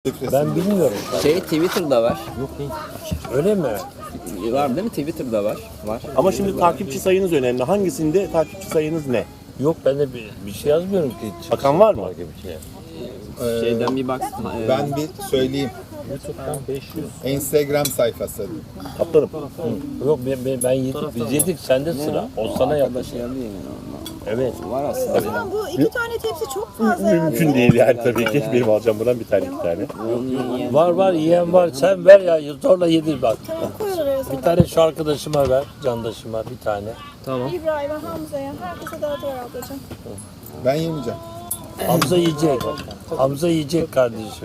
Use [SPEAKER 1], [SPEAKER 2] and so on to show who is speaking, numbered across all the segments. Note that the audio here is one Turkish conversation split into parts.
[SPEAKER 1] Ben bilmiyorum.
[SPEAKER 2] Twitter'da var.
[SPEAKER 1] Öyle mi?
[SPEAKER 2] Var değil mi? Twitter'da var. Var.
[SPEAKER 3] Ama şimdi takipçi sayınız önemli. Hangisinde takipçi sayınız ne?
[SPEAKER 1] Yok ben de bir şey yazmıyorum ki.
[SPEAKER 3] Bakan var mı?
[SPEAKER 2] Şeyden bir bak.
[SPEAKER 4] Ben bir söyleyeyim.
[SPEAKER 1] YouTube'dan 500.
[SPEAKER 4] Instagram sayfası.
[SPEAKER 3] Kaptanım.
[SPEAKER 1] Yok ben yedik. Biz yedik sende sıra. O sana yapmış. Evet.
[SPEAKER 2] Var aslında.
[SPEAKER 5] O zaman bu iki tane tepsi çok fazla ya.
[SPEAKER 3] Mümkün değil yani tabii ki. Benim alacağım buradan bir tane iki tane.
[SPEAKER 1] Var yiyen var. Sen ver ya zorla yedir bak.
[SPEAKER 5] Tamam koy oraya sonra.
[SPEAKER 1] Bir tane şu arkadaşıma ver. Candaşıma bir tane.
[SPEAKER 5] İbrahim'e, Hamza'ya, herkese dağıtıyor ablacığım.
[SPEAKER 4] Ben yemeyeceğim.
[SPEAKER 1] Hamza yiyecek. Hamza yiyecek kardeşim.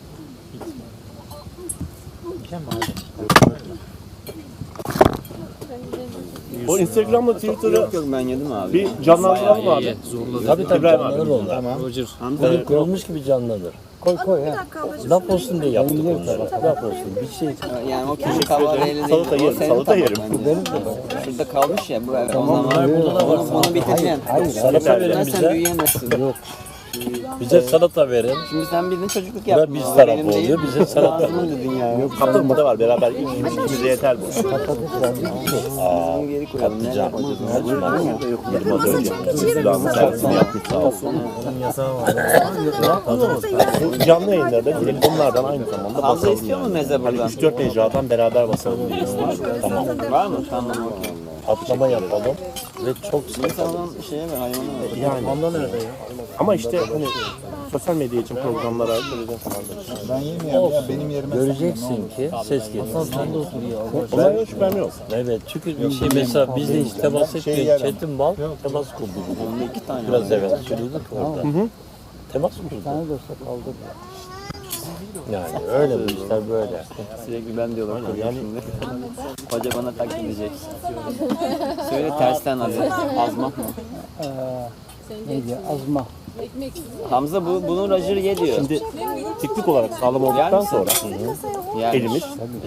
[SPEAKER 3] O Instagram'la Twitter'ı
[SPEAKER 2] Yok ben yedim abi.
[SPEAKER 3] bir canlandıralım abi.
[SPEAKER 1] Tabii
[SPEAKER 3] İbrahim
[SPEAKER 1] canlanır
[SPEAKER 3] abi.
[SPEAKER 1] onlar.
[SPEAKER 4] Tamam.
[SPEAKER 1] Bugün kurulmuş gibi canlanır. Koy
[SPEAKER 5] Bir
[SPEAKER 1] ya.
[SPEAKER 5] dakika ablacığım.
[SPEAKER 1] Laf olsun diye yaptık onları. Laf olsun. Bir şey.
[SPEAKER 2] Yani o küçük kahvaltıyla değil.
[SPEAKER 3] Salata yerim, salata yerim.
[SPEAKER 2] Şurada kalmış ya bu evet. O
[SPEAKER 1] Tamam,
[SPEAKER 2] zaman
[SPEAKER 1] burada da var.
[SPEAKER 2] onu bitireceksin.
[SPEAKER 1] Salata verin
[SPEAKER 2] Sen
[SPEAKER 1] bize.
[SPEAKER 2] büyüyemezsin.
[SPEAKER 1] Yok. Bize salata verin.
[SPEAKER 2] Şimdi sen bildiğin çocukluk
[SPEAKER 1] Bu
[SPEAKER 2] yaptın.
[SPEAKER 1] da biz
[SPEAKER 2] O
[SPEAKER 1] tarafı
[SPEAKER 2] benim değil.
[SPEAKER 1] oluyor. Bize salata.
[SPEAKER 2] Ağzımın dedin ya.
[SPEAKER 3] Kaptanım da var beraber ikimize yeter bu.
[SPEAKER 2] Bunu geri koyalım. Ne yapacağız?
[SPEAKER 3] Yedim az önce. Silahımın servisini yapmış sağ olsun. Bu canlı yayınlarda telefonlardan aynı zamanda
[SPEAKER 2] Hamza
[SPEAKER 3] basalım
[SPEAKER 2] istiyor mu
[SPEAKER 3] yani.
[SPEAKER 2] meze
[SPEAKER 3] Hani
[SPEAKER 2] buradan?
[SPEAKER 3] 3-4 mecradan beraber basalım diye istedim. Tamam.
[SPEAKER 2] Var mı? Tamam okey.
[SPEAKER 1] Atlama yapalım. Ve çok
[SPEAKER 2] Sen olan şeye ver, hayvana ver.
[SPEAKER 3] Yani.
[SPEAKER 1] Ondan nerede ya?
[SPEAKER 3] Ama işte hani sosyal medya için programlara söyleyeceğim sana.
[SPEAKER 4] Ben yemiyorum ya. Benim yerime sen ye, ne
[SPEAKER 1] Göreceksin
[SPEAKER 4] olur.
[SPEAKER 1] ki ses gelir.
[SPEAKER 3] Ondan hiç şüphem yok.
[SPEAKER 1] Evet çünkü bir şey mesela biz de hiç temas etmiyor. Çetin Bal temas kurdu.
[SPEAKER 2] Onda 2 tane.
[SPEAKER 1] Biraz evvel söylüyorduk orada. Temas kurdu. Yani öyle bu işler böyle.
[SPEAKER 2] Sürekli ben diyorlar yani şimdi. Hoca bana taklit edecek. Söyle tersten hadi. Azmak mı?
[SPEAKER 6] Neydi? Azma.
[SPEAKER 2] Hamza bunun rajını ye diyor.
[SPEAKER 3] Şimdi teknik olarak sağlam olduktan sonra
[SPEAKER 2] Yani.
[SPEAKER 3] elimiz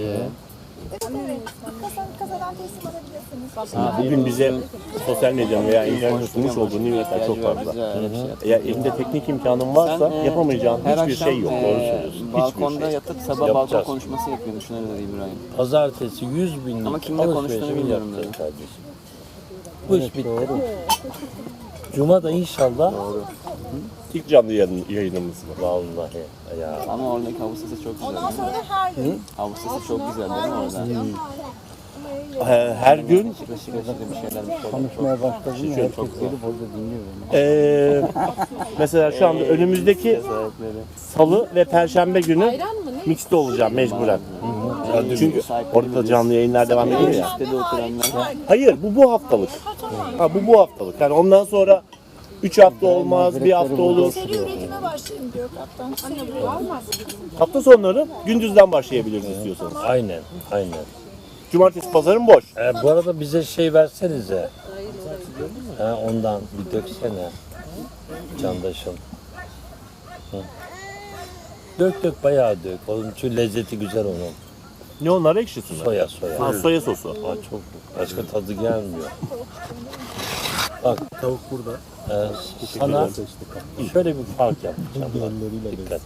[SPEAKER 5] Kasadan teslim alabilirsiniz.
[SPEAKER 3] bugün bize sosyal medyanın veya internetin sunmuş olduğu nimetler çok fazla. Eğer elinde teknik imkanın varsa yapamayacağın hiçbir şey yok. Doğru söylüyorsun.
[SPEAKER 2] Balkonda yatıp sabah balkon
[SPEAKER 1] Yapacağız.
[SPEAKER 2] konuşması yapıyor. Düşünün dedi İbrahim.
[SPEAKER 1] Pazartesi 100 bin
[SPEAKER 2] Ama kimle konuştuğunu bilmiyorum dedi.
[SPEAKER 1] kardeşim. Bu iş bitti. Cuma da inşallah.
[SPEAKER 3] İlk canlı yayınımız bu.
[SPEAKER 1] Vallahi ya.
[SPEAKER 2] Ama oradaki havuz sesi çok güzel.
[SPEAKER 5] Ondan sonra da her gün.
[SPEAKER 2] Havuz sesi çok güzel değil mi orada?
[SPEAKER 3] Her gün
[SPEAKER 2] Şıkır şıkır bir şeyler.
[SPEAKER 6] Konuşmaya başladım. Herkes gelip orada dinliyor beni.
[SPEAKER 3] mesela şu anda önümüzdeki Salı ve Perşembe günü mixte olacağım mecburen. Çünkü orada da canlı yayınlar devam ediyor ya.
[SPEAKER 2] Sitede oturanlar.
[SPEAKER 3] Hayır bu haftalık. Bu haftalık. Yani ondan sonra 3 hafta olmaz, bir hafta olur.
[SPEAKER 5] Seri üretime başlayayım diyor kaptan. Seri olmaz.
[SPEAKER 3] Hafta sonları gündüzden başlayabiliriz istiyorsanız.
[SPEAKER 1] Aynen.
[SPEAKER 3] Cumartesi pazarın boş.
[SPEAKER 1] Bu arada bize şey versenize. Ondan bir döksene. Candaşım. Hı. Dök bayağı dök. Onun için lezzeti güzel onun.
[SPEAKER 3] Ne onlar ekşisi mi?
[SPEAKER 1] Soya.
[SPEAKER 3] Soya sosu.
[SPEAKER 1] Çok başka tadı gelmiyor. Bak tavuk burada. Sana şöyle bir fark yapacağım. Bak, dikkat.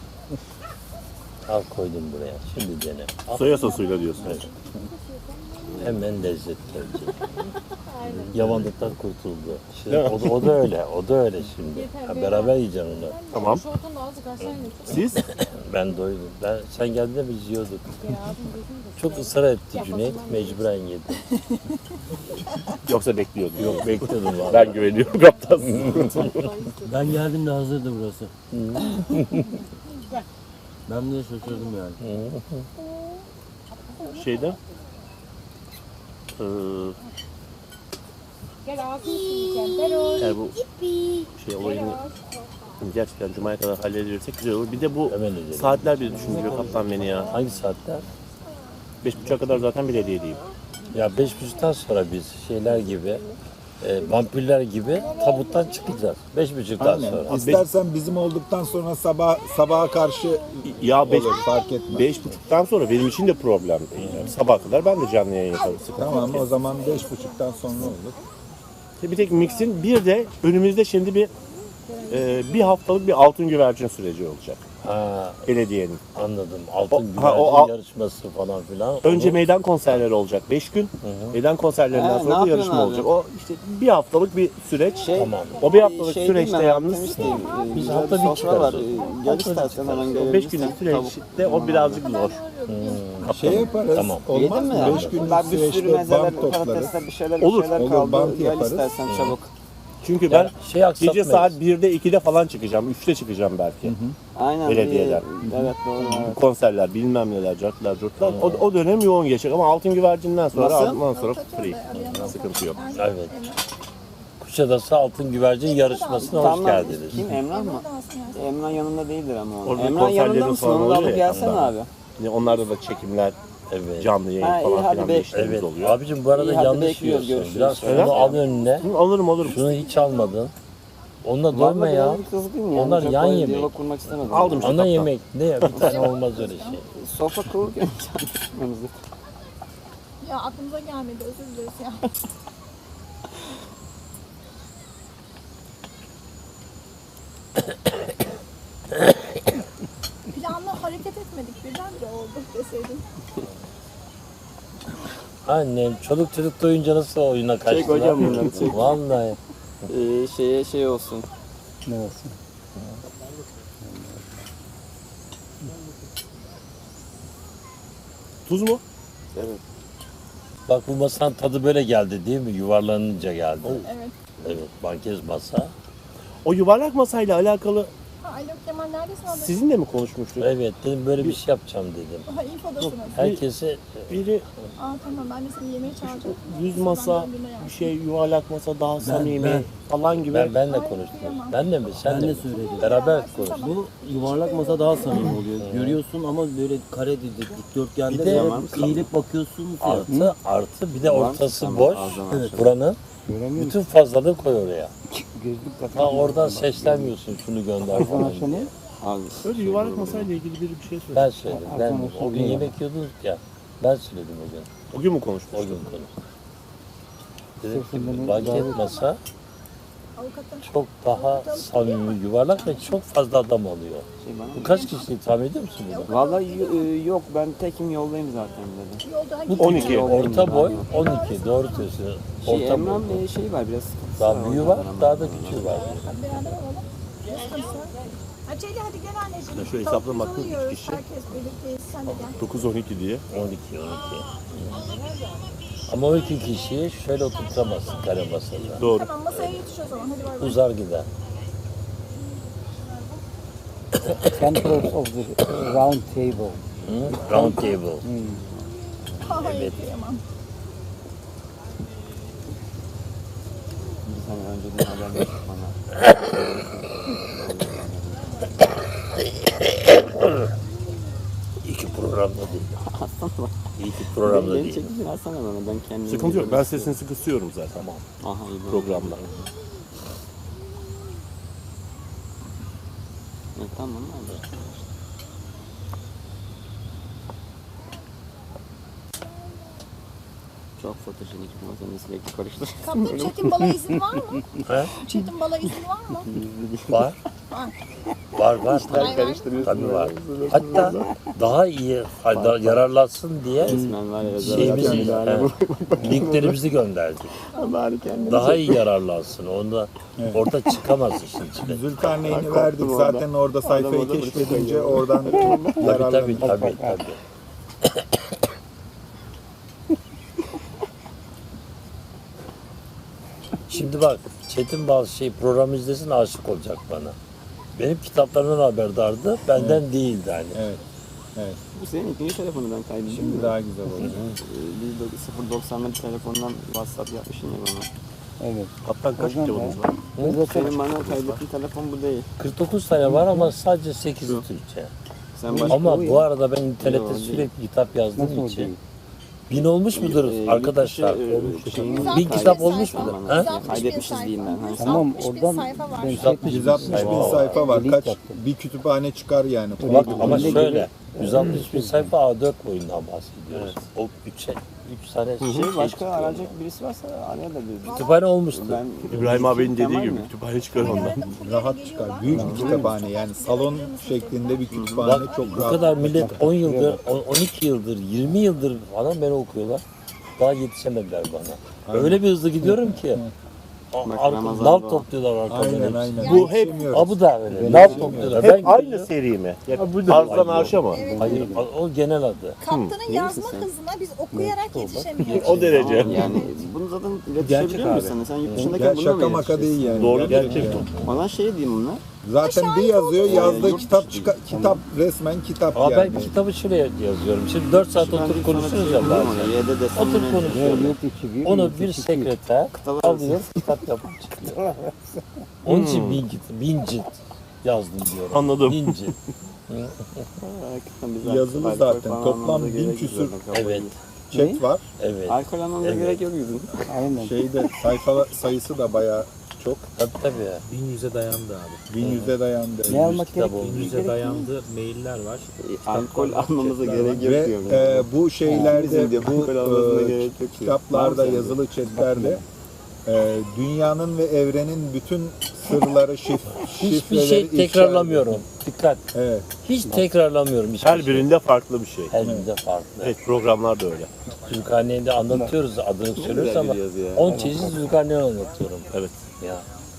[SPEAKER 1] Al koydum buraya. Şimdi dene.
[SPEAKER 3] Soya sosuyla diyorsun.
[SPEAKER 1] Hemen lezzet gelecek. Yavanlıktan kurtuldu. Şimdi, o da öyle şimdi. Beraber yiyeceğim onu.
[SPEAKER 3] Tamam. Siz?
[SPEAKER 1] Ben doydum. Sen geldiğinde biz yiyorduk. Çok ısrar etti Cüneyt. Mecburen yedim.
[SPEAKER 3] Yoksa bekliyordum.
[SPEAKER 1] Yok bekliyordum vallahi.
[SPEAKER 3] Ben güveniyorum kaptan.
[SPEAKER 6] Ben geldiğimde hazırdı burası. Ben bile şaşırdım yani.
[SPEAKER 3] Şeyde eğer bu şey olayını gerçekten Cuma'ya kadar halledirsek güzel olur. Bir de bu
[SPEAKER 1] Hemen edelim.
[SPEAKER 3] saatler bir düşündürüyor kaptan beni ya.
[SPEAKER 1] Hangi saatler?
[SPEAKER 3] 5.30'a kadar zaten belediyedeyim.
[SPEAKER 1] Ya 5.30'dan sonra biz şeyler gibi, vampirler gibi tabuttan çıkacağız. 5.30'dan sonra.
[SPEAKER 4] İstersen bizim olduktan sonra sabaha karşı
[SPEAKER 3] Ya
[SPEAKER 4] olur, fark etmez.
[SPEAKER 3] 5.30'dan sonra benim için de problem değil. Yani sabah kadar ben de canlı yayın yaparım. Sıkıntı
[SPEAKER 4] Tamam
[SPEAKER 3] yok.
[SPEAKER 4] o zaman 5.30'dan sonra olur.
[SPEAKER 3] Bir tek mixin bir de önümüzde şimdi bir haftalık bir altın güvercin süreci olacak.
[SPEAKER 1] Ha,
[SPEAKER 3] belediyenin.
[SPEAKER 1] anladım. Altın
[SPEAKER 3] O
[SPEAKER 1] güvercin yarışması falan filan.
[SPEAKER 3] Önce
[SPEAKER 1] Onu-
[SPEAKER 3] meydan konserleri olacak 5 gün. Meydan konserlerinden
[SPEAKER 2] ne
[SPEAKER 3] sonra da
[SPEAKER 2] yapıyorsun
[SPEAKER 3] yarışma
[SPEAKER 2] abi?
[SPEAKER 3] olacak. O işte bir haftalık bir süreç.
[SPEAKER 1] Tamam.
[SPEAKER 3] O bir haftalık
[SPEAKER 2] Şey
[SPEAKER 3] süreçte
[SPEAKER 2] değil mi?
[SPEAKER 3] yalnız
[SPEAKER 2] Temizleyeyim.
[SPEAKER 1] Biz
[SPEAKER 2] Güzel
[SPEAKER 1] hafta bir
[SPEAKER 2] sofra
[SPEAKER 1] çıkarız
[SPEAKER 2] var.
[SPEAKER 1] o.
[SPEAKER 2] Gel istersen hemen
[SPEAKER 3] o
[SPEAKER 2] gelebilirsin.
[SPEAKER 3] 5 günlük süreçte o birazcık zor.
[SPEAKER 4] Şey yaparız.
[SPEAKER 1] Tamam.
[SPEAKER 4] Olmaz
[SPEAKER 2] Yedin
[SPEAKER 4] mı?
[SPEAKER 2] mi?
[SPEAKER 4] 5 günlük
[SPEAKER 2] Bak bir sürü
[SPEAKER 4] süreçte
[SPEAKER 2] mezeler,
[SPEAKER 4] bant toplarız.
[SPEAKER 2] patatesler, bir şeyler,
[SPEAKER 3] Olur,
[SPEAKER 2] bir şeyler
[SPEAKER 4] olur,
[SPEAKER 2] kaldı.
[SPEAKER 4] bant
[SPEAKER 2] Gel
[SPEAKER 4] yaparız.
[SPEAKER 2] istersen çabuk.
[SPEAKER 3] Çünkü ben
[SPEAKER 1] şey
[SPEAKER 3] gece
[SPEAKER 1] aksatmayız.
[SPEAKER 3] saat 1'de 2'de falan çıkacağım. 3'te çıkacağım belki.
[SPEAKER 2] Aynen.
[SPEAKER 3] Belediyeden.
[SPEAKER 2] Evet doğru. Evet.
[SPEAKER 3] Konserler, bilmem neler, cartlar, curtlar. O dönem yoğun geçecek ama Altın Güvercin'den sonra
[SPEAKER 2] Nasıl?
[SPEAKER 3] ondan sonra free. Sıkıntı yok.
[SPEAKER 1] Evet. Kuşadası Altın Güvercin yarışmasına hoş
[SPEAKER 2] Tamam.
[SPEAKER 1] geldiniz.
[SPEAKER 2] Kim? Emrah mı? Emrah yanında değildir ama onun.
[SPEAKER 3] Orada
[SPEAKER 2] Emrah yanında
[SPEAKER 3] konserlerin
[SPEAKER 2] mısın?
[SPEAKER 3] falan
[SPEAKER 2] Onu da
[SPEAKER 3] oluyor
[SPEAKER 2] alıp
[SPEAKER 3] ya,
[SPEAKER 2] gelsene
[SPEAKER 3] ondan.
[SPEAKER 2] abi.
[SPEAKER 3] Yani onlarda da çekimler,
[SPEAKER 1] Evet.
[SPEAKER 3] canlı yayın
[SPEAKER 2] Ha, iyi,
[SPEAKER 3] falan
[SPEAKER 2] hadi
[SPEAKER 3] filan
[SPEAKER 2] be.
[SPEAKER 3] bir işlerimiz
[SPEAKER 1] Evet.
[SPEAKER 3] oluyor.
[SPEAKER 1] Abicim bu arada
[SPEAKER 2] İyi, hadi
[SPEAKER 1] yanlış
[SPEAKER 2] bekliyoruz,
[SPEAKER 1] yiyorsun.
[SPEAKER 2] görüşürüz.
[SPEAKER 1] Biraz şunu al önüne.
[SPEAKER 3] Hı, alırım.
[SPEAKER 1] Şunu hiç almadın. Onunla doyma
[SPEAKER 2] Vallahi
[SPEAKER 1] ya.
[SPEAKER 2] birazcık kızgın ya.
[SPEAKER 1] Onlar
[SPEAKER 2] Çok
[SPEAKER 1] yan
[SPEAKER 2] böyle
[SPEAKER 1] yemek.
[SPEAKER 2] diyalog kurmak istemedim.
[SPEAKER 3] Aldım işte.
[SPEAKER 1] Ana
[SPEAKER 3] kaptan.
[SPEAKER 1] yemek ne ya? Bir tane olmaz öyle şey.
[SPEAKER 2] Sofra kurulurken çalışmamızı.
[SPEAKER 5] Ya aklımıza gelmedi, özür dileriz ya. Planlı hareket etmedik, birdenbire oldu deseydin.
[SPEAKER 1] Annem çoluk çocuk doyunca nasıl oyuna kaçtılar?
[SPEAKER 2] Çek hocam bunları, çek.
[SPEAKER 1] Vallahi.
[SPEAKER 2] Şeye şey olsun.
[SPEAKER 6] Ne olsun?
[SPEAKER 3] Tuz mu?
[SPEAKER 1] Bak bu masanın tadı böyle geldi değil mi? Yuvarlanınca geldi.
[SPEAKER 5] Evet.
[SPEAKER 1] Evet, bankez masa.
[SPEAKER 3] O yuvarlak masayla alakalı
[SPEAKER 5] Ha, Alo Kemal neredesin abi?
[SPEAKER 3] sizinle mi konuşmuştuk?
[SPEAKER 1] Evet, dedim böyle bir şey yapacağım dedim.
[SPEAKER 5] Ha, infodasınız.
[SPEAKER 1] Herkese
[SPEAKER 3] Biri
[SPEAKER 5] Aa tamam, ben de seni yemeğe çağıracağım.
[SPEAKER 3] 100 masa,
[SPEAKER 5] Ben döndüğümde
[SPEAKER 3] bir
[SPEAKER 5] yaptım.
[SPEAKER 3] şey yuvarlak masa daha samimi
[SPEAKER 6] ben-
[SPEAKER 3] falan gibi.
[SPEAKER 1] benle konuştum. Ben de mi? Sen
[SPEAKER 6] Ben
[SPEAKER 1] de
[SPEAKER 6] de
[SPEAKER 1] mi?
[SPEAKER 6] söyledim.
[SPEAKER 1] Beraber konuştuk.
[SPEAKER 6] Bu yuvarlak masa daha samimi oluyor. Görüyorsun ama böyle kare değil, dikdörtgende
[SPEAKER 1] Bir de-
[SPEAKER 6] böyle eğilip bakıyorsunuz ya.
[SPEAKER 1] Artı bir de ortası
[SPEAKER 2] Tamam,
[SPEAKER 1] boş.
[SPEAKER 2] ağzına
[SPEAKER 6] Evet.
[SPEAKER 1] Buranın
[SPEAKER 6] Göremiyorum.
[SPEAKER 1] bütün fazlalığı koy oraya.
[SPEAKER 6] Gözlük
[SPEAKER 1] Ha
[SPEAKER 6] takıyorum.
[SPEAKER 1] oradan seslenmiyorsun şunu gönder falan diye.
[SPEAKER 2] Abi.
[SPEAKER 3] Öyle yuvarlak masayla ilgili biri bir şey söyledi.
[SPEAKER 1] Ben söyledim. Ben o gün yemek yiyordunuz ya. Ben söyledim o gün.
[SPEAKER 3] O gün mü konuşmuştuk?
[SPEAKER 1] O gün konuştuk. Dedim ki banket masa
[SPEAKER 5] Avukatım.
[SPEAKER 1] çok daha samimi, yuvarlak ve çok fazla adam alıyor.
[SPEAKER 2] Şey bana.
[SPEAKER 1] Bu kaç kişilik tahmin ediyor musun bunu?
[SPEAKER 2] Vallahi yok, ben tekim yoldayım zaten dedi.
[SPEAKER 5] Yolda
[SPEAKER 3] 12.
[SPEAKER 1] Orta boy 12. Doğru diyorsun. Orta
[SPEAKER 2] Emrah'ın
[SPEAKER 1] boy.
[SPEAKER 2] bir şeyi var biraz sıkıntısı
[SPEAKER 1] Daha büyüğü var,
[SPEAKER 2] ondan
[SPEAKER 1] daha da
[SPEAKER 2] ama.
[SPEAKER 1] küçüğü var.
[SPEAKER 5] beraber olalım. Açeli hadi gel anneciğim.
[SPEAKER 3] Şöyle hesapla baktım,
[SPEAKER 5] Tavuk yiyoruz,
[SPEAKER 3] üç kişi.
[SPEAKER 5] herkes birlikteyiz. Sen de gel.
[SPEAKER 3] 9-12 diye.
[SPEAKER 1] 12. Ama 12 kişiyi şöyle oturtamazsın kare masada.
[SPEAKER 3] Doğru.
[SPEAKER 5] Tamam masaya yetiş o zaman. Hadi bay bay.
[SPEAKER 1] Uzar gider.
[SPEAKER 6] Center of the round table.
[SPEAKER 1] Hı? Round table.
[SPEAKER 5] Hayır kıyamam.
[SPEAKER 2] Bir sene önceden haber vermiş bana.
[SPEAKER 1] İyi ki programda değil. İyi ki programda
[SPEAKER 2] Beni
[SPEAKER 1] değil.
[SPEAKER 2] çekicin alsana bana, ben kendim.
[SPEAKER 3] Sıkıntı yok. Ben sesini kısıyorum zaten.
[SPEAKER 1] Tamam.
[SPEAKER 2] Aha iyi.
[SPEAKER 3] Programda.
[SPEAKER 2] Tamam abi. Çok fotojenik bir masanın sürekli karıştır.
[SPEAKER 5] Kaptan Çetin Bal'a izin var mı?
[SPEAKER 1] He?
[SPEAKER 5] Çetin Bal'a izin var mı?
[SPEAKER 1] Var. Var. Tabii var. Hatta daha iyi yararlansın diye
[SPEAKER 2] Resmen var ya.
[SPEAKER 1] şeyimizi, linklerimizi gönderdik. Daha iyi yararlansın. Onda orada çıkamaz işin içine.
[SPEAKER 4] Zülkarneyn'i verdik zaten orada sayfayı keşfedince oradan
[SPEAKER 1] Tabii
[SPEAKER 4] yararlandık.
[SPEAKER 1] tabii. Şimdi bak Çetin bazı program izlesin aşık olacak bana. Benim kitaplarımdan haberdardı, benden değildi hani.
[SPEAKER 4] Evet.
[SPEAKER 2] Bu senin ikinci telefonu ben kaydettim.
[SPEAKER 4] Şimdi daha güzel olacak.
[SPEAKER 2] Biz 0.90'lı telefondan WhatsApp yapmışsın ya bana.
[SPEAKER 6] Evet.
[SPEAKER 3] Kaptan kaç kitabınız var?
[SPEAKER 2] Senin bana kaydettiğin telefon bu değil.
[SPEAKER 1] 49 tane var ama sadece 8'i Türkçe.
[SPEAKER 2] Sen başka
[SPEAKER 1] Ama bu arada ben
[SPEAKER 2] Yok,
[SPEAKER 1] internette
[SPEAKER 2] değil.
[SPEAKER 1] sürekli kitap yazdığım
[SPEAKER 6] Nasıl
[SPEAKER 1] için
[SPEAKER 6] değil?
[SPEAKER 1] 1000 olmuş mudur arkadaşlar?
[SPEAKER 5] Bin
[SPEAKER 1] kitap olmuş mudur? Ha?
[SPEAKER 2] Kaydetmişiz diyeyim ben. Hani
[SPEAKER 6] Tamam
[SPEAKER 5] 160 bin
[SPEAKER 6] oradan
[SPEAKER 5] sayfa var.
[SPEAKER 6] ben
[SPEAKER 1] 160
[SPEAKER 4] 160 bin sayfa var.
[SPEAKER 6] Delete
[SPEAKER 4] Kaç
[SPEAKER 6] yaptım.
[SPEAKER 4] bir kütüphane çıkar yani.
[SPEAKER 1] Bak ama
[SPEAKER 6] Öyle
[SPEAKER 1] şöyle 160 bin sayfa A4 boyundan bahsediyoruz. O 3 tane şey
[SPEAKER 2] Başka
[SPEAKER 1] çıkıyor.
[SPEAKER 2] arayacak birisi varsa arayabilir.
[SPEAKER 1] Kütüphane olmuştu.
[SPEAKER 2] Ben
[SPEAKER 3] İbrahim abinin dediği
[SPEAKER 2] Tamam
[SPEAKER 3] gibi
[SPEAKER 2] mı?
[SPEAKER 3] kütüphane çıkar ondan.
[SPEAKER 4] Rahat çıkar. Büyük bir kütüphane yani salon şeklinde bir kütüphane
[SPEAKER 1] Bak
[SPEAKER 4] çok
[SPEAKER 1] bu
[SPEAKER 4] rahat.
[SPEAKER 1] kadar millet 10 yıldır, 12 yıldır, 20 yıldır falan beni okuyorlar. Daha yetişemediler bana. Öyle bir hızlı gidiyorum ki.
[SPEAKER 2] Ramazan'da
[SPEAKER 1] Nal
[SPEAKER 2] o.
[SPEAKER 1] topluyorlar arkamdan.
[SPEAKER 4] Aynen
[SPEAKER 1] hepsi.
[SPEAKER 4] aynen.
[SPEAKER 3] Bu hep-
[SPEAKER 1] Ha bu da öyle. Nal topluyorlar.
[SPEAKER 3] Hep aynı
[SPEAKER 1] gidiyorum.
[SPEAKER 3] seri mi?
[SPEAKER 1] da
[SPEAKER 3] Arzdan
[SPEAKER 1] aynı.
[SPEAKER 3] arşa mı?
[SPEAKER 1] Hayır, o genel adı.
[SPEAKER 5] Kaptanın yazma hızına biz okuyarak yetişemiyoruz.
[SPEAKER 3] O derece.
[SPEAKER 2] Yani bunu zaten iletişebiliyor musun? Sen yurt dışındayken
[SPEAKER 4] Gel,
[SPEAKER 2] bununla mı
[SPEAKER 4] şaka maka değil
[SPEAKER 2] iletişeceksin?
[SPEAKER 4] yani.
[SPEAKER 3] Doğru gerçek.
[SPEAKER 2] Bana şey diyeyim bunlar.
[SPEAKER 4] Zaten bir yazıyor yazdığı
[SPEAKER 2] Yurt
[SPEAKER 4] kitap kitap resmen kitap
[SPEAKER 1] Ama
[SPEAKER 4] yani.
[SPEAKER 1] ben kitabı şuraya yazıyorum. Şimdi 4 saat oturup konuşuyoruz ya bazen.
[SPEAKER 2] Y'de desem
[SPEAKER 1] Oturup
[SPEAKER 2] ne?
[SPEAKER 1] konuşuyoruz. Onu bir sekreter alıyor, kitap yapıp çıkıyor. Onun için 1000 cilt yazdım diyorum.
[SPEAKER 3] Anladım.
[SPEAKER 1] 1000 cilt.
[SPEAKER 2] Hakikaten biz
[SPEAKER 4] Yazılı
[SPEAKER 2] alkol
[SPEAKER 4] zaten.
[SPEAKER 2] falan
[SPEAKER 4] Toplam
[SPEAKER 2] almamıza
[SPEAKER 4] 1000
[SPEAKER 2] gerek
[SPEAKER 4] küsür
[SPEAKER 2] yok zaten.
[SPEAKER 1] Evet,
[SPEAKER 4] chat var.
[SPEAKER 1] evet.
[SPEAKER 2] Alkol almamıza
[SPEAKER 1] Evet.
[SPEAKER 2] gerek yok bizim.
[SPEAKER 6] Aynen.
[SPEAKER 4] Şeyde sayfa sayısı da bayağı çok.
[SPEAKER 1] Tabii.
[SPEAKER 7] 1100'e dayandı abi.
[SPEAKER 4] 1100'e dayandı.
[SPEAKER 6] Ne almak
[SPEAKER 1] kitap
[SPEAKER 6] gerek?
[SPEAKER 1] oldu.
[SPEAKER 7] 1100'e dayandı. Mailler var.
[SPEAKER 2] Alkol almamıza gerek yok
[SPEAKER 4] Ve
[SPEAKER 2] diyorum.
[SPEAKER 4] bu şeylerde
[SPEAKER 2] Bizim diyor,
[SPEAKER 4] bu
[SPEAKER 2] alkol almasına gerek yok diyor.
[SPEAKER 4] kitaplarda
[SPEAKER 2] Var mı
[SPEAKER 4] yazılı chatlerde dünyanın ve evrenin bütün sırları
[SPEAKER 1] Hiçbir
[SPEAKER 4] şifreleri
[SPEAKER 1] şey
[SPEAKER 4] ifşa
[SPEAKER 1] tekrarlamıyorum. Dikkat.
[SPEAKER 4] ediyor. Evet.
[SPEAKER 1] Hiç tekrarlamıyorum hiçbir
[SPEAKER 3] Her
[SPEAKER 1] şey.
[SPEAKER 3] birinde farklı bir şey.
[SPEAKER 1] Her birinde farklı.
[SPEAKER 3] Evet, programlar da öyle.
[SPEAKER 1] Zülkarneyn'de anlatıyoruz, adını söylüyoruz ama
[SPEAKER 2] bir yazı ya.
[SPEAKER 1] 10 çeşit Zülkarneyn anlatıyorum.
[SPEAKER 3] Evet.
[SPEAKER 1] Ya.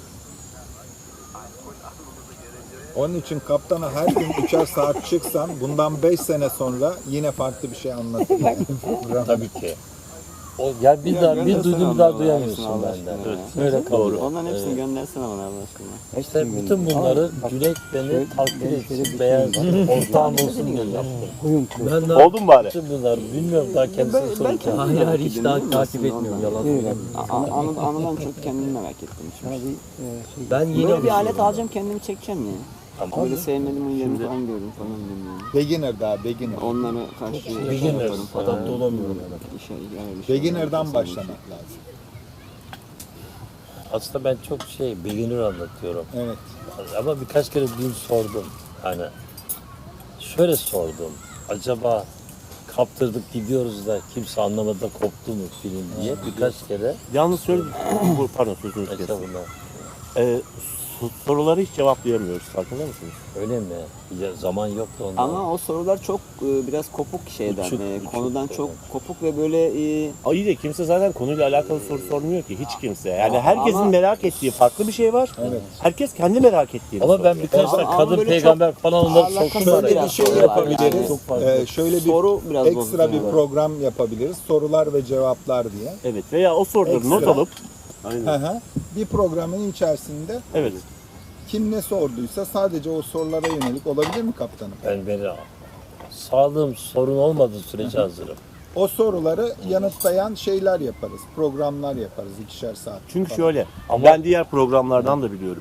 [SPEAKER 4] Onun için kaptana her gün 3'er saat çıksan bundan 5 sene sonra yine farklı bir şey anlatır. Yani.
[SPEAKER 1] Tabii ki. O ya bir daha bir
[SPEAKER 2] göndersene
[SPEAKER 1] duydum bir daha
[SPEAKER 2] onları
[SPEAKER 1] duyamıyorsun
[SPEAKER 2] Allah
[SPEAKER 1] benden.
[SPEAKER 2] aşkına ya.
[SPEAKER 1] Böyle kalıyor.
[SPEAKER 2] Onların hepsini
[SPEAKER 1] Evet.
[SPEAKER 2] göndersene bana Allah aşkına.
[SPEAKER 1] İşte bütün bunları Cüneyt beni takdir etsin, beğensin, ortağım olsun diye yaptım. Ben daha
[SPEAKER 3] Oldu mu bari?
[SPEAKER 1] bütün bunları bilmiyorum daha kendisine soracağım.
[SPEAKER 7] Hayır hayır hiç daha takip etmiyorum yalan söylüyorum.
[SPEAKER 2] Anıdan çok kendimi merak ettim. Şimdi.
[SPEAKER 1] Ben yeni
[SPEAKER 2] Böyle bir alet
[SPEAKER 1] alışıyorum.
[SPEAKER 2] alacağım kendimi çekeceğim ya.
[SPEAKER 1] Tamam.
[SPEAKER 2] Böyle sevmediğim oyunlarını falan gördüm falan bilmiyorum.
[SPEAKER 4] Beginner daha beginner.
[SPEAKER 2] Onlara karşı
[SPEAKER 1] Beginner,
[SPEAKER 2] yaparım falan.
[SPEAKER 1] adapte olamıyorum.
[SPEAKER 4] Beginner'dan başlamak lazım.
[SPEAKER 1] Aslında ben çok beginner anlatıyorum.
[SPEAKER 4] Evet.
[SPEAKER 1] Ama birkaç kere dün sordum. Hani şöyle sordum. Acaba kaptırdık gidiyoruz da kimse anlamadı da koptu mu film diye birkaç kere
[SPEAKER 3] Yalnız şöyle pardon sözünüzü kestim.
[SPEAKER 1] hesabına.
[SPEAKER 3] Soruları hiç cevaplayamıyoruz. Farkında mısınız?
[SPEAKER 1] Öyle mi? Ya, zaman yoktu ondan.
[SPEAKER 2] Ama o sorular çok biraz kopuk şeyden,
[SPEAKER 1] Uçuk,
[SPEAKER 2] konudan
[SPEAKER 1] uçuk,
[SPEAKER 2] çok
[SPEAKER 1] evet.
[SPEAKER 2] kopuk ve böyle
[SPEAKER 3] İyi de kimse zaten konuyla alakalı soru sormuyor ki hiç kimse. Yani herkesin
[SPEAKER 2] ama-
[SPEAKER 3] merak ettiği farklı bir şey var.
[SPEAKER 4] Evet.
[SPEAKER 3] Herkes kendi merak ettiğini
[SPEAKER 1] Ama ben
[SPEAKER 3] soruyor.
[SPEAKER 1] birkaç da
[SPEAKER 2] Ama
[SPEAKER 1] kadın
[SPEAKER 2] böyle
[SPEAKER 1] peygamber falan onları
[SPEAKER 2] alakası
[SPEAKER 1] soktum
[SPEAKER 2] yok
[SPEAKER 1] araya.
[SPEAKER 4] Şöyle bir
[SPEAKER 2] biraz
[SPEAKER 4] şey
[SPEAKER 2] sorular
[SPEAKER 4] yapabiliriz.
[SPEAKER 2] yani.
[SPEAKER 1] Çok farklı.
[SPEAKER 4] Şöyle bir
[SPEAKER 2] soru biraz
[SPEAKER 4] ekstra bir
[SPEAKER 2] bozuk.
[SPEAKER 4] program yapabiliriz. Sorular ve cevaplar diye.
[SPEAKER 3] Evet veya o soruları not
[SPEAKER 4] Ekstra.
[SPEAKER 3] alıp
[SPEAKER 4] Hı hı. Bir programın içerisinde
[SPEAKER 3] evet.
[SPEAKER 4] kim ne sorduysa sadece o sorulara yönelik olabilir mi kaptanım?
[SPEAKER 1] Beni sağlığım sorun olmadığı sürece hazırım.
[SPEAKER 4] O soruları yanıtlayan şeyler yaparız. Programlar yaparız 2'şer saat.
[SPEAKER 3] Çünkü
[SPEAKER 4] falan.
[SPEAKER 3] şöyle
[SPEAKER 1] Ama-
[SPEAKER 3] ben diğer programlardan da biliyorum.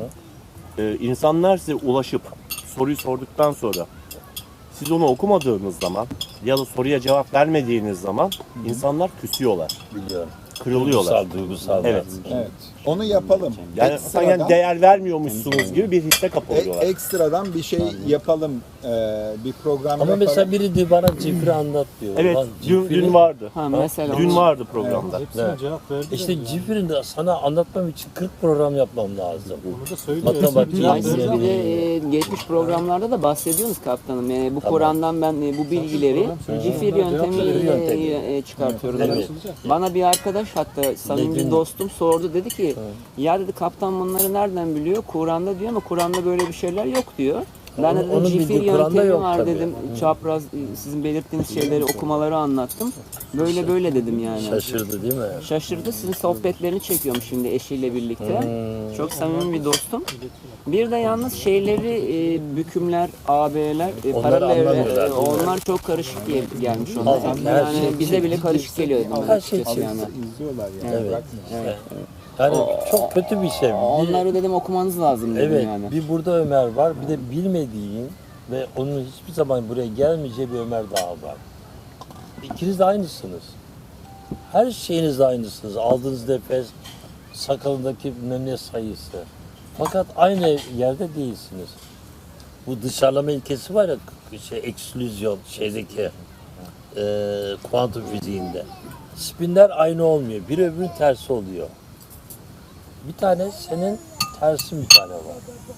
[SPEAKER 1] Hı.
[SPEAKER 3] İnsanlar size ulaşıp soruyu sorduktan sonra siz onu okumadığınız zaman ya da soruya cevap vermediğiniz zaman insanlar küsüyorlar,
[SPEAKER 1] Biliyorum.
[SPEAKER 3] kırılıyorlar.
[SPEAKER 1] Duygusal.
[SPEAKER 3] Evet.
[SPEAKER 4] Evet. Onu yapalım.
[SPEAKER 3] Yani sanki değer vermiyormuşsunuz gibi bir hisse kapılıyorlar.
[SPEAKER 4] ekstradan bir şey yapalım. Bir program
[SPEAKER 1] Ama
[SPEAKER 4] yapalım.
[SPEAKER 1] mesela biri diyor bana Cifri anlat diyor.
[SPEAKER 3] Evet,
[SPEAKER 1] Ulan
[SPEAKER 3] dün
[SPEAKER 1] Cifri-
[SPEAKER 3] vardı.
[SPEAKER 2] Ha mesela
[SPEAKER 3] Dün
[SPEAKER 2] onu-
[SPEAKER 3] vardı programda.
[SPEAKER 1] Evet.
[SPEAKER 7] Cevap verdi.
[SPEAKER 1] İşte Cifri'nin de sana anlatmam için 40 program yapmam lazım.
[SPEAKER 7] Onu da söylüyor.
[SPEAKER 1] Matematik,
[SPEAKER 2] Yani siz bir
[SPEAKER 1] yani.
[SPEAKER 2] de geçmiş programlarda da bahsediyorsunuz kaptanım. Bu Kur'an'dan ben bu bilgileri cifir yöntemiyle çıkartıyorum.
[SPEAKER 1] Evet.
[SPEAKER 2] Bana bir arkadaş hatta samimi bir
[SPEAKER 1] Dedin.
[SPEAKER 2] dostum sordu dedi ki ya dedi kaptan bunları nereden biliyor? Kur'an'da diyor ama Kur'an'da böyle bir şeyler yok diyor. Ben de
[SPEAKER 1] Onun
[SPEAKER 2] dedim
[SPEAKER 1] bildiği
[SPEAKER 2] cifir
[SPEAKER 1] Kur'an'da
[SPEAKER 2] yöntemi
[SPEAKER 1] yok
[SPEAKER 2] var
[SPEAKER 1] tabii.
[SPEAKER 2] dedim. Çapraz sizin belirttiğiniz şeyleri okumaları anlattım. Böyle böyle dedim yani.
[SPEAKER 1] Şaşırdı değil mi?
[SPEAKER 2] Şaşırdı. Sizin sohbetlerini çekiyormuş şimdi eşiyle birlikte. Çok samimi bir dostum. Bir de yalnız şeyleri bükümler, AB'ler,
[SPEAKER 1] Onları
[SPEAKER 2] paralel
[SPEAKER 1] anlamıyorlar, değil mi?
[SPEAKER 2] onlar çok karışık diye gelmiş onlar.
[SPEAKER 1] Abi, her
[SPEAKER 2] Yani
[SPEAKER 1] şey
[SPEAKER 2] bize bile karışık geliyor dedim.
[SPEAKER 1] Her şey
[SPEAKER 2] açıkçası
[SPEAKER 1] çift.
[SPEAKER 2] yani.
[SPEAKER 4] İzliyorlar yani.
[SPEAKER 1] Evet.
[SPEAKER 4] Bırakmıyor.
[SPEAKER 1] Yani çok kötü bir şey.
[SPEAKER 2] Onları dedim okumanız lazım dedim
[SPEAKER 1] Evet,
[SPEAKER 2] yani.
[SPEAKER 1] bir burada Ömer var, bir de bilmediğin ve onun hiçbir zaman buraya gelmeyeceği bir Ömer daha var. İkiniz de aynısınız. Her şeyiniz de aynısınız. Aldığınız nefes, sakalındaki bilmem ne sayısı. Fakat aynı yerde değilsiniz. Bu dışarılama ilkesi var ya, eksklüzyon şeydeki. kuantum fiziğinde. Spinler aynı olmuyor. Biri öbürünün tersi oluyor. Bir tane senin tersin bir tane var.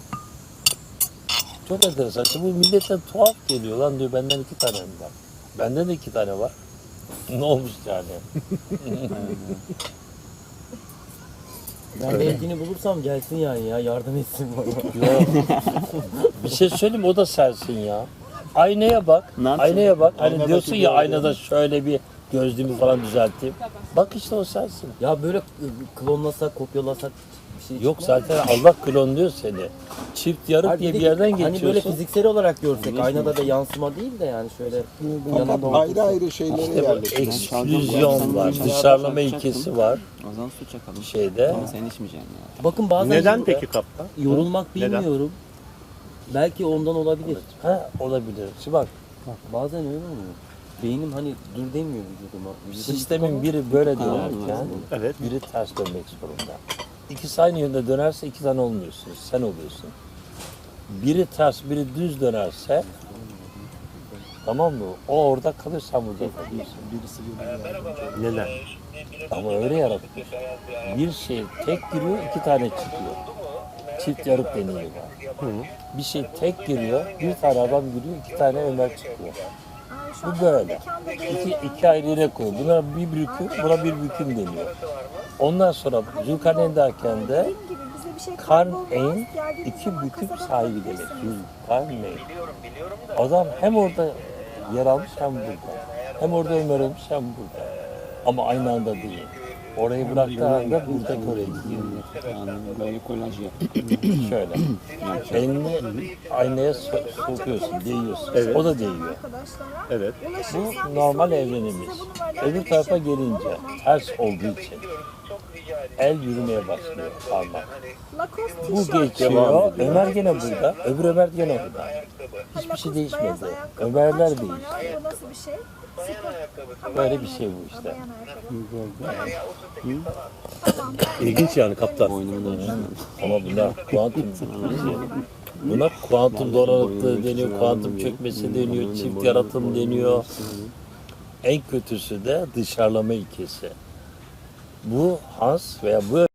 [SPEAKER 1] Çok enteresan. Bu millete tuhaf geliyor. Lan diyor benden 2 tane mi var? Benden de 2 tane var. Ne olmuş yani?
[SPEAKER 6] Ben belkini bulursam gelsin yani ya yardım etsin bana.
[SPEAKER 1] Yok. Bir şey söyleyeyim, o da sensin ya. Aynaya bak.
[SPEAKER 2] Ne yapacağım?
[SPEAKER 1] Aynaya bak. Hani
[SPEAKER 3] Aynadaki
[SPEAKER 1] diyorsun
[SPEAKER 3] bir
[SPEAKER 1] ya
[SPEAKER 3] olay.
[SPEAKER 1] aynada şöyle bir gözlüğümü falan düzelteyim. Bak işte o sensin.
[SPEAKER 6] Ya böyle klonlasak, kopyalasak bir şey
[SPEAKER 1] Yok
[SPEAKER 6] çıkmaz mı?
[SPEAKER 1] zaten Allah klonluyor seni. Çift yarık
[SPEAKER 6] Hayır,
[SPEAKER 1] diye
[SPEAKER 6] bir
[SPEAKER 1] bir
[SPEAKER 6] de
[SPEAKER 1] yerden
[SPEAKER 6] Hani böyle
[SPEAKER 1] geçiyorsun.
[SPEAKER 6] fiziksel olarak görsek aynada da yansıma değil de yani şöyle yanında
[SPEAKER 4] Ayrı ayrı şeylere
[SPEAKER 1] İşte bu
[SPEAKER 4] yerleştirelim.
[SPEAKER 1] eksklüzyon var, dışarılama ilkesi var
[SPEAKER 2] O zaman su çakalım.
[SPEAKER 1] şeyde.
[SPEAKER 2] Ama sen içmeyeceksin ya.
[SPEAKER 6] Bakın bazen
[SPEAKER 3] Neden peki kaptan?
[SPEAKER 6] yorulmak
[SPEAKER 3] Neden?
[SPEAKER 6] bilmiyorum. Belki ondan olabilir.
[SPEAKER 1] Ha olabilir. Şimdi bak
[SPEAKER 6] Bazen öyle oluyor. Beynim hani dur demiyor vücuduma.
[SPEAKER 1] sistemin biri böyle dönerken
[SPEAKER 3] Evet.
[SPEAKER 1] biri ters dönmek zorunda. İkisi aynı yönde dönerse 2 tane olmuyorsunuz. Sen oluyorsun. Biri ters, biri düz dönerse tamam mı? O orada kalır, sen burada kalıyorsun.
[SPEAKER 3] Neden?
[SPEAKER 1] Ama öyle yaratmış. Bir şey tek giriyor, 2 tane çıkıyor. Çift yarık deniyor var. Bir şey tek giriyor, bir tane adam giriyor, 2 tane Ömer çıkıyor. Bu böyle. İki ayrı yere koyuyor. Buna bir büküm, buna bir büküm deniyor. Ondan sonra Zülkarneyn'deyken de Karneyn 2 büküm sahibi demek. Zülkarneyn. Adam hem orada yer almış hem burada. Hem orada Ömer olmuş hem burada. Ama aynı anda değil. Orayı bıraktığı anda burada oraya gidiyor.
[SPEAKER 2] Böyle kolaj yap.
[SPEAKER 1] Şöyle. Elini aynaya sokuyorsun, değiyorsun.
[SPEAKER 3] Evet.
[SPEAKER 1] O da değiyor.
[SPEAKER 3] Evet.
[SPEAKER 1] Bu normal evrenimiz. Öbür tarafa gelince ters olduğu için el yürümeye başlıyor parmak. Bu geçiyor. Ömer gene burada. Öbür Ömer gene orada. Hiçbir şey değişmedi. Ömerler değişti.
[SPEAKER 5] Bu nasıl bir şey?
[SPEAKER 1] Böyle bir şey bu işte.
[SPEAKER 3] İlginç yani kaptan.
[SPEAKER 1] Ama bunlar kuantum buna kuantum donanıklığı deniyor, kuantum çökmesi deniyor, çift yaratım deniyor. En kötüsü de dışarılama ilkesi. Bu Hans veya bu